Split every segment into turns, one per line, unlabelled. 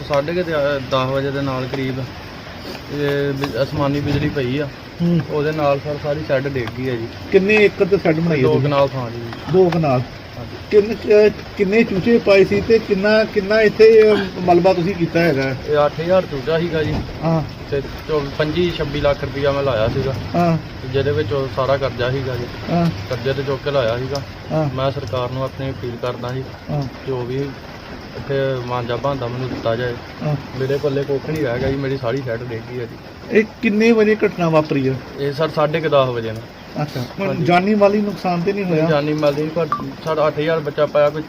10:30 ਵਜੇ ਦੇ ਨਾਲ ਕਰੀਬ ਇਹ ਅਸਮਾਨੀ ਬਿਜਲੀ ਪਈ ਆ। ਉਹਦੇ ਨਾਲ ਸਰ ਸਾਰੀ ਸ਼ੈੱਡ ਡਿੱਗ ਗਈ ਹੈ ਜੀ।
ਕਿੰਨੇ ਏਕੜ ਤੇ ਸ਼ੈੱਡ ਬਣਾਈ ਹੈ?
2 ਕਨਾਲ ਥਾਂ ਜੀ।
2 ਕਨਾਲ। ਕਿੰਨੇ ਚੂਚੇ ਪਾਏ ਸੀ ਤੇ ਕਿੰਨਾ ਇੱਥੇ ਮਲਬਾ ਤੁਸੀਂ ਕੀਤਾ ਹੈਗਾ?
ਇਹ 8000 ਚੂਚਾ ਸੀਗਾ ਜੀ।
ਹਾਂ।
ਤੇ 25-26 ਲੱਖ ਰੁਪਈਆ ਮੈਂ ਲਾਇਆ ਸੀਗਾ।
ਹਾਂ।
ਜਿਹਦੇ ਵਿੱਚ ਸਾਰਾ ਕਰਜ਼ਾ ਸੀਗਾ ਜੀ।
ਹਾਂ।
ਕਰਜ਼ੇ ਤੇ ਚੁੱਕ ਕੇ ਲਾਇਆ ਸੀਗਾ।
ਹਾਂ।
ਮੈਂ ਸਰਕਾਰ ਨੂੰ ਆਪਣੀ ਅਪੀਲ ਕਰਦਾ ਜੀ ਜੋ ਵੀ ਇੱਥੇ ਮਾਂਜਾ ਭਾਂਦਾ ਮੈਨੂੰ ਦਿੱਤਾ ਜਾਏ। ਮੇਰੇ ਪੱਲੇ ਕੁੱਖ ਨਹੀਂ ਰਹਿ ਗਿਆ ਜੀ। ਮੇਰੀ ਸਾਰੀ ਸ਼ੈੱਡ ਡਿੱਗ ਗਈ ਹੈ ਜੀ।
ਇਹ ਕਿੰਨੇ ਵਜੇ ਘਟਨਾ ਵਾਪਰੀ ਹੈ?
ਇਹ ਸਰ 10:30 ਵਜੇ ਨੇ।
ਅੱਛਾ। ਜਾਨੀ ਮਾਲੀ ਨੁਕਸਾਨ ਤੇ ਨਹੀਂ ਹੋਇਆ?
ਜਾਨੀ ਮਾਲੀ ਨਹੀਂ, ਪਰ ਸਾਡਾ 8000 ਬੱਚਾ ਪਾਇਆ, ਕੋਈ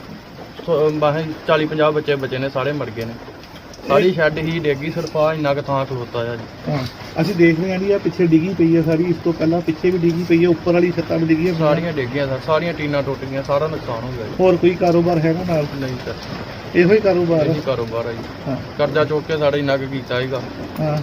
40-50 ਬੱਚੇ ਬਚੇ ਨੇ, ਸਾਰੇ ਮਰ ਗਏ ਨੇ। ਸਾਰੀ ਸ਼ੈੱਡ ਹੀ ਡਿੱਗੀ, ਸਿਰਫ ਆ ਇੰਨਾ ਕੁ ਥਾਂ ਖਲੋਤਾ ਆ ਜੀ।
ਹਾਂ। ਅਸੀਂ ਦੇਖ ਰਹੇ ਹਾਂ ਜੀ ਆ ਪਿੱਛੇ ਡਿੱਗੀ ਪਈ ਹੈ ਸਾਰੀ। ਇਸ ਤੋਂ ਪਹਿਲਾਂ ਪਿੱਛੇ ਵੀ ਡਿੱਗੀ ਪਈ ਹੈ, ਉੱਪਰ ਵਾਲੀ ਛੱਤਾਂ ਵੀ ਡਿੱਗੀਆਂ
ਸਾਰੀਆਂ ਡਿੱਗੀਆਂ ਸਰ, ਸਾਰੀਆਂ ਟੀਨਾਂ ਟੁੱਟ ਗਈਆਂ, ਸਾਰਾ ਨੁਕਸਾਨ ਹੋ ਗਿਆ ਜੀ।
ਹੋਰ ਕੋਈ ਕਾਰੋਬਾਰ ਹੈਗਾ ਨਾਲ?
ਨਹੀਂ ਸਰ,
ਇਹੋ ਹੀ ਕਾਰੋਬਾਰ
ਇਹੀ ਕਾਰੋਬਾਰ ਆ ਜੀ।
ਹਾਂ।
ਕਰਜ਼ਾ ਚੁੱਕ ਕੇ ਸਾਡਾ ਇੰਨਾ ਕੁ ਕੀਤਾ ਸੀਗਾ।
ਹਾਂ।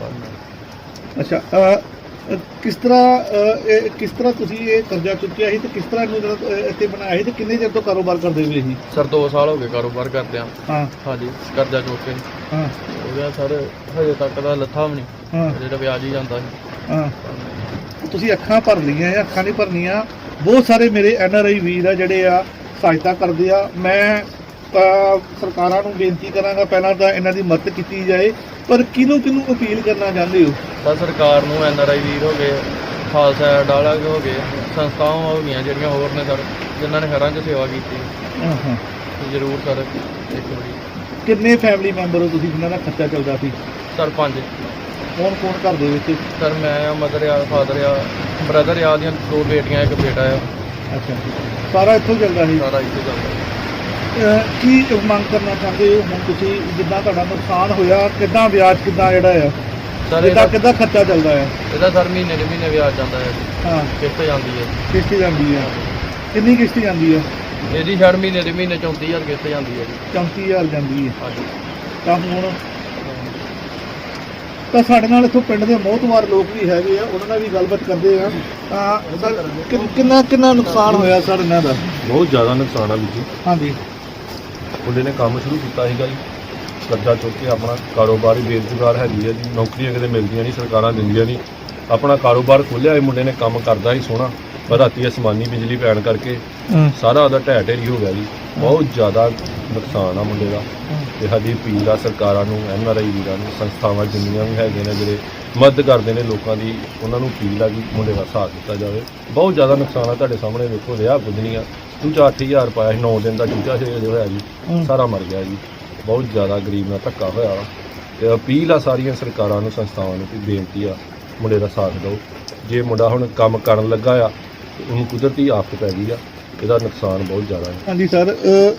ਅੱਛਾ। ਕਿਸ ਤਰ੍ਹਾਂ ਤੁਸੀਂ ਇਹ ਕਰਜ਼ਾ ਚੁੱਕਿਆ ਸੀ ਤੇ ਕਿਸ ਤਰ੍ਹਾਂ ਇਹਨੂੰ ਇੱਥੇ ਬਣਾਇਆ ਸੀ ਤੇ ਕਿੰਨੇ ਚਿਰ ਤੋਂ ਕਾਰੋਬਾਰ ਕਰਦੇ ਹੋਏ ਸੀ?
ਸਰ 2 ਸਾਲ ਹੋ ਗਏ ਕਾਰੋਬਾਰ ਕਰਦਿਆਂ।
ਹਾਂ।
ਹਾਂਜੀ, ਕਰਜ਼ਾ ਚੁੱਕ ਕੇ।
ਹਾਂ।
ਉਹਦਾ ਸਰ ਹਜੇ ਤੱਕ ਦਾ ਲੱਥਾ ਵੀ ਨਹੀਂ।
ਹਾਂ।
ਜਿਹੜਾ ਵਿਆਜ ਹੀ ਜਾਂਦਾ ਸੀ।
ਹਾਂ। ਤੁਸੀਂ ਅੱਖਾਂ ਭਰ ਲਈਆਂ ਜਾਂ ਅੱਖਾਂ ਨਹੀਂ ਭਰਨੀਆਂ? ਬਹੁਤ ਸਾਰੇ ਮੇਰੇ NRI ਵੀਰ ਆ ਜਿਹੜੇ ਆ ਸਹਾਇਤਾ ਕਰਦੇ ਆ। ਮੈਂ ਸਰਕਾਰਾਂ ਨੂੰ ਬੇਨਤੀ ਕਰਾਂਗਾ ਪਹਿਲਾਂ ਤਾਂ ਇਹਨਾਂ ਦੀ ਮਦਦ ਕੀਤੀ ਜਾਏ, ਪਰ ਕਿਹਨੂੰ ਅਪੀਲ ਕਰਨਾ ਚਾਹੁੰਦੇ ਹੋ?
ਤਾਂ ਸਰਕਾਰ ਨੂੰ, NRI ਵੀਰ ਹੋ ਗਏ, ਖਾਲਸਾ ਡਾਲਾ ਹੋ ਗਏ, ਸੰਸਥਾਵਾਂ ਹੋ ਗਈਆਂ ਜਿਹੜੀਆਂ ਹੋਰ ਨੇ ਸਰ, ਜਿਨ੍ਹਾਂ ਨੇ ਘਰਾਂ 'ਚ ਸੇਵਾ ਕੀਤੀ।
ਹਾਂ।
ਜ਼ਰੂਰ ਸਰ ਇੱਕ ਵਾਰੀ।
ਕਿੰਨੇ ਫੈਮਿਲੀ ਮੈਂਬਰ ਹੋ ਤੁਸੀਂ ਜਿਨ੍ਹਾਂ ਦਾ ਖਰਚਾ ਚੱਲਦਾ ਸੀ?
ਸਰ 5।
ਕੌਣ ਘਰ ਦੇ ਵਿੱਚ?
ਸਰ ਮੈਂ ਆ, ਮਦਰ ਆ, ਫਾਦਰ ਆ, ਬ੍ਰਦਰ ਆ, ਦੀਆਂ 2 ਬੇਟੀਆਂ, 1 ਬੇਟਾ ਆ।
ਅੱਛਾ। ਸਾਰਾ ਇੱਥੋਂ ਚੱਲਦਾ ਸੀ?
ਸਾਰਾ ਇੱਥੇ ਚੱਲਦਾ।
ਕੀ ਮੰਗ ਕਰਨਾ ਚਾਹੁੰਦੇ ਹੋ ਹੁਣ ਤੁਸੀਂ? ਜਿੱਦਾਂ ਤੁਹਾਡਾ ਨੁਕਸਾਨ ਹੋਇਆ, ਕਿੱਦਾਂ ਵਿਆਜ ਕਿੱਦਾਂ ਜਿਹੜਾ ਆ
ਸਰ
ਕਿੱਦਾਂ ਖਰਚਾ ਚੱਲਦਾ ਹੈ?
ਇਹਦਾ ਸਰ ਮਹੀਨੇ ਦੇ ਮਹੀਨੇ ਵਿਆਜ ਜਾਂਦਾ ਹੈ।
ਹਾਂ।
ਕਿਸ਼ਤ ਜਾਂਦੀ ਹੈ।
ਕਿਸ਼ਤ ਜਾਂਦੀ ਹੈ? ਕਿੰਨੀ ਕਿਸ਼ਤ ਜਾਂਦੀ ਹੈ?
ਇਹਦੀ ਸ਼ਾਇਦ ਮਹੀਨੇ ਦੇ ਮਹੀਨੇ 34,000 ਕਿਸ਼ਤ ਜਾਂਦੀ ਹੈ ਜੀ।
34,000 ਜਾਂਦੀ ਹੈ।
ਹਾਂਜੀ।
ਤਾਂ ਹੁਣ ਤਾਂ ਸਾਡੇ ਨਾਲ ਇੱਥੋਂ ਪਿੰਡ ਦੇ ਮੋਹਤਵਾਰ ਲੋਕ ਵੀ ਹੈਗੇ ਆ, ਉਹਨਾਂ ਨਾਲ ਵੀ ਗੱਲਬਾਤ ਕਰਦੇ ਆ। ਸਰ ਕਿੰਨਾ ਨੁਕਸਾਨ ਹੋਇਆ ਸਰ ਇਹਨਾਂ ਦਾ?
ਬਹੁਤ ਜ਼ਿਆਦਾ ਨੁਕਸਾਨ ਆ ਵੀਰ ਜੀ।
ਹਾਂਜੀ।
ਮੁੰਡੇ ਨੇ ਕੰਮ ਸ਼ੁਰੂ ਕੀਤਾ ਸੀਗਾ ਜੀ, ਕਰਜ਼ਾ ਚੁੱਕ ਕੇ ਆਪਣਾ ਕਾਰੋਬਾਰ ਹੀ ਬੇਰੁਜ਼ਗਾਰ ਹੈਗੀ ਹੈ ਜੀ, ਨੌਕਰੀਆਂ ਕਿਤੇ ਮਿਲਦੀਆਂ ਨਹੀਂ, ਸਰਕਾਰਾਂ ਦਿੰਦੀਆਂ ਨਹੀਂ। ਆਪਣਾ ਕਾਰੋਬਾਰ ਖੋਲ੍ਹਿਆ ਇਹ ਮੁੰਡੇ ਨੇ, ਕੰਮ ਕਰਦਾ ਸੀ ਸੋਹਣਾ, ਪਰ ਰਾਤੀ ਅਸਮਾਨੀ ਬਿਜਲੀ ਪੈਣ ਕਰਕੇ ਸਾਰਾ ਉਹਦਾ ਢਹਿ ਢੇਰੀ ਹੋ ਗਿਆ ਜੀ। ਬਹੁਤ ਜ਼ਿਆਦਾ ਨੁਕਸਾਨ ਆ ਮੁੰਡੇ ਦਾ। ਤੇ ਸਾਡੀ ਅਪੀਲ ਆ ਸਰਕਾਰਾਂ ਨੂੰ, NRI ਵੀਰਾਂ ਨੂੰ, ਸੰਸਥਾਵਾਂ ਜਿੰਨੀਆਂ ਵੀ ਹੈਗੇ ਨੇ ਜਿਹੜੇ ਮਦਦ ਕਰਦੇ ਨੇ ਲੋਕਾਂ ਦੀ, ਉਹਨਾਂ ਨੂੰ ਅਪੀਲ ਆ ਕਿ ਮੁੰਡੇ ਦਾ ਸਾਥ ਦਿੱਤਾ ਜਾਵੇ। ਬਹੁਤ ਜ਼ਿਆਦਾ ਨੁਕਸਾਨ ਆ, ਤੁਹਾਡੇ ਸਾਹਮਣੇ ਵੇਖੋ, ਰਿਹਾ ਪੁੱਜਣੀਆਂ। ਚੂਚਾ 8000 ਪਾਇਆ ਸੀ, 9 ਦਿਨ ਦਾ ਚੂਚਾ ਸੀ ਹੋਇਆ ਜੀ, ਸਾਰਾ ਮਰ ਗਿਆ ਜੀ। ਬਹੁਤ ਜ਼ਿਆਦਾ ਗਰੀਬ ਨਾਲ ਧੱਕਾ ਹੋਇਆ ਵਾ। ਤੇ ਅਪੀਲ ਆ ਸਾਰੀਆਂ ਸਰਕਾਰਾਂ ਨੂੰ, ਸੰਸਥਾਵਾਂ ਨੂੰ, ਕਿ ਬੇਨਤੀ ਆ ਮੁੰਡੇ ਦਾ ਸਾਥ ਦਿਓ। ਜੇ ਮੁੰਡਾ ਹੁਣ ਕੰਮ ਕਰਨ ਲੱਗਾ ਆ, ਉਹਨੂੰ ਕੁਦਰਤੀ ਆਫਤ ਪੈ ਗਈ ਆ, ਇਹਦਾ ਨੁਕਸਾਨ ਬਹੁਤ ਜ਼ਿਆਦਾ ਹੈ।
ਹਾਂਜੀ ਸਰ,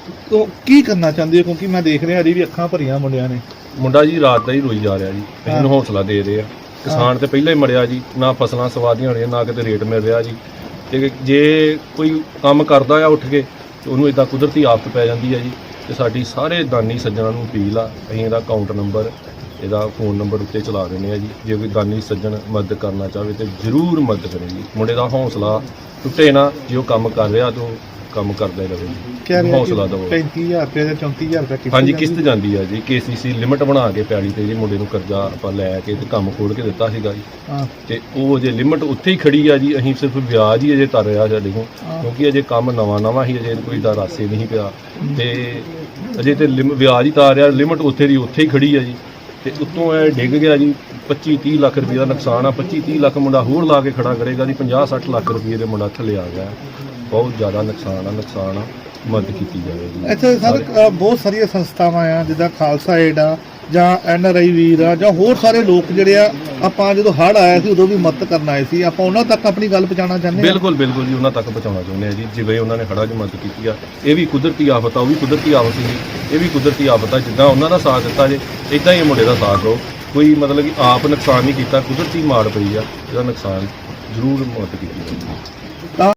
ਕੀ ਕਰਨਾ ਚਾਹੁੰਦੇ ਹੋ? ਕਿਉਂਕਿ ਮੈਂ ਦੇਖ ਰਿਹਾ ਹਰੀ ਵੀ ਅੱਖਾਂ ਭਰੀਆਂ ਮੁੰਡਿਆਂ ਨੇ।
ਮੁੰਡਾ ਜੀ ਰਾਤ ਦਾ ਹੀ ਰੋਈ ਜਾ ਰਿਹਾ ਜੀ, ਇਹਨੂੰ ਹੌਸਲਾ ਦੇ ਰਹੇ ਆ। ਕਿਸਾਨ ਤੇ ਪਹਿਲਾਂ ਹੀ ਮਰਿਆ ਜੀ, ਨਾ ਫਸਲਾਂ ਸਵਾਦੀਆਂ ਹੋਣੀਆਂ, ਨਾ ਕਿਤੇ ਰੇਟ ਮਿਲ ਰਿਹਾ ਜੀ। ਤੇ ਜੇ ਕੋਈ ਕੰਮ ਕਰਦਾ ਆ ਉੱਠ ਕੇ, ਤੇ ਉਹਨੂੰ ਇਦਾਂ ਕੁਦਰਤੀ ਆਫਤ ਪੈ ਜਾਂਦੀ ਹੈ ਜੀ। ਤੇ ਸਾਡੀ ਸਾਰੇ ਦਾਨੀ ਸੱਜਣਾਂ ਨੂੰ ਅਪੀਲ ਆ, ਅਸੀਂ ਇਹਦਾ ਅਕਾਊਂਟ ਨੰਬਰ, ਇਹਦਾ ਫੋਨ ਨੰਬਰ ਉੱਤੇ ਚਲਾ ਦਿੰਦੇ ਆ ਜੀ। ਜੇ ਕੋਈ ਦਾਨੀ ਸੱਜਣ ਮਦਦ ਕਰਨਾ ਚਾਹਵੇ ਤੇ ਜ਼ਰੂਰ ਮਦਦ ਕਰੇ ਜੀ। ਮੁੰਡੇ ਦਾ ਹੌਸਲਾ ਟੁੱਟੇ ਨਾ, ਜੇ ਉਹ ਕੰਮ ਕਰ ਰਿਹਾ ਤਾਂ ਕੰਮ ਕਰਦਾ ਹੀ ਰਹੇ ਜੀ, ਹੌਸਲਾ ਦਿਓ।
35,000 ਰੁਪਏ ਜਾਂ 34,000 ਰੁਪਏ ਕਿਸ਼ਤ?
ਹਾਂਜੀ, ਕਿਸ਼ਤ ਜਾਂਦੀ ਆ ਜੀ। KCC ਲਿਮਟ ਬਣਾ ਕੇ ਪੈਲੀ ਤੇ ਜੀ ਮੁੰਡੇ ਨੂੰ ਕਰਜ਼ਾ ਆਪਾਂ ਲੈ ਕੇ ਤੇ ਕੰਮ ਖੋਲ੍ਹ ਕੇ ਦਿੱਤਾ ਸੀਗਾ ਜੀ। ਤੇ ਉਹ ਅਜੇ ਲਿਮਟ ਉੱਥੇ ਹੀ ਖੜੀ ਆ ਜੀ। ਅਸੀਂ ਸਿਰਫ ਵਿਆਜ ਹੀ ਅਜੇ ਤਰ ਰਿਹਾ ਸਾਡੇ ਕੋਲ, ਕਿਉਂਕਿ ਅਜੇ ਕੰਮ ਨਵਾਂ ਹੀ, ਅਜੇ ਕੋਈ ਦਾ ਰਾਸੇ ਨਹੀਂ ਪਿਆ। ਤੇ ਅਜੇ ਤੇ ਵਿਆਜ ਹੀ ਤਾਰ ਰਿਹਾ, ਲਿਮਟ ਉੱਥੇ ਦੀ ਉੱਥੇ ਹੀ ਖੜੀ ਆ ਜੀ। ਤੇ ਉੱਤੋਂ ਇਹ ਡਿੱਗ ਗਿਆ ਜੀ। 25-30 ਲੱਖ ਰੁਪਏ ਦਾ ਨੁਕਸਾਨ ਆ। 25-30 ਲੱਖ ਮੁੰਡਾ ਹੋਰ ਲਾ ਕੇ ਖੜਾ ਕਰੇਗਾ ਜੀ। 50-60 ਲੱਖ ਰੁਪਏ ਦੇ ਮੁੰਡਾ ਥੱਲੇ ਆ ਗਿਆ। ਬਹੁਤ ਜ਼ਿਆਦਾ ਨੁਕਸਾਨ ਆ, ਮਦਦ ਕੀਤੀ ਜਾਵੇ ਜੀ।
ਅੱਛਾ ਸਰ, ਬਹੁਤ ਸਾਰੀਆਂ ਸੰਸਥਾਵਾਂ ਆ ਜਿੱਦਾਂ ਖਾਲਸਾ ਏਡ ਆ ਜਾਂ NRI ਵੀਰ ਆ ਜਾਂ ਹੋਰ ਸਾਰੇ ਲੋਕ ਜਿਹੜੇ ਆ, ਆਪਾਂ ਜਦੋਂ ਹੜ੍ਹ ਆਇਆ ਸੀ ਉਦੋਂ ਵੀ ਮਦਦ ਕਰਨ ਆਏ ਸੀ, ਆਪਾਂ ਉਹਨਾਂ ਤੱਕ ਆਪਣੀ ਗੱਲ ਪਹੁੰਚਾਉਣਾ ਚਾਹੁੰਦੇ ਹਾਂ।
ਬਿਲਕੁਲ ਜੀ, ਉਹਨਾਂ ਤੱਕ ਪਹੁੰਚਾਉਣਾ ਚਾਹੁੰਦੇ ਆ ਜੀ। ਜਿਵੇਂ ਉਹਨਾਂ ਨੇ ਹੜ੍ਹਾਂ 'ਚ ਮਦਦ ਕੀਤੀ ਆ, ਇਹ ਵੀ ਕੁਦਰਤੀ ਆਫਤ ਆ, ਉਹ ਵੀ ਕੁਦਰਤੀ ਆਫਤ ਸੀ, ਇਹ ਵੀ ਕੁਦਰਤੀ ਆਫਤ ਆ। ਜਿੱਦਾਂ ਉਹਨਾਂ ਦਾ ਸਾਥ ਦਿੱਤਾ ਜੇ, ਇੱਦਾਂ ਹੀ ਮੁੰਡੇ ਦਾ ਸਾਥ ਦਿਓ। ਕੋਈ ਮਤਲਬ ਕਿ ਆਪ ਨੁਕਸਾਨ ਨਹੀਂ ਕੀਤਾ, ਕੁਦਰਤੀ ਮਾਰ ਪਈ ਆ, ਇਹਦਾ ਨੁਕਸਾਨ ਜ਼ਰੂਰ ਮਦਦ ਕੀਤੀ ਜਾਵੇ।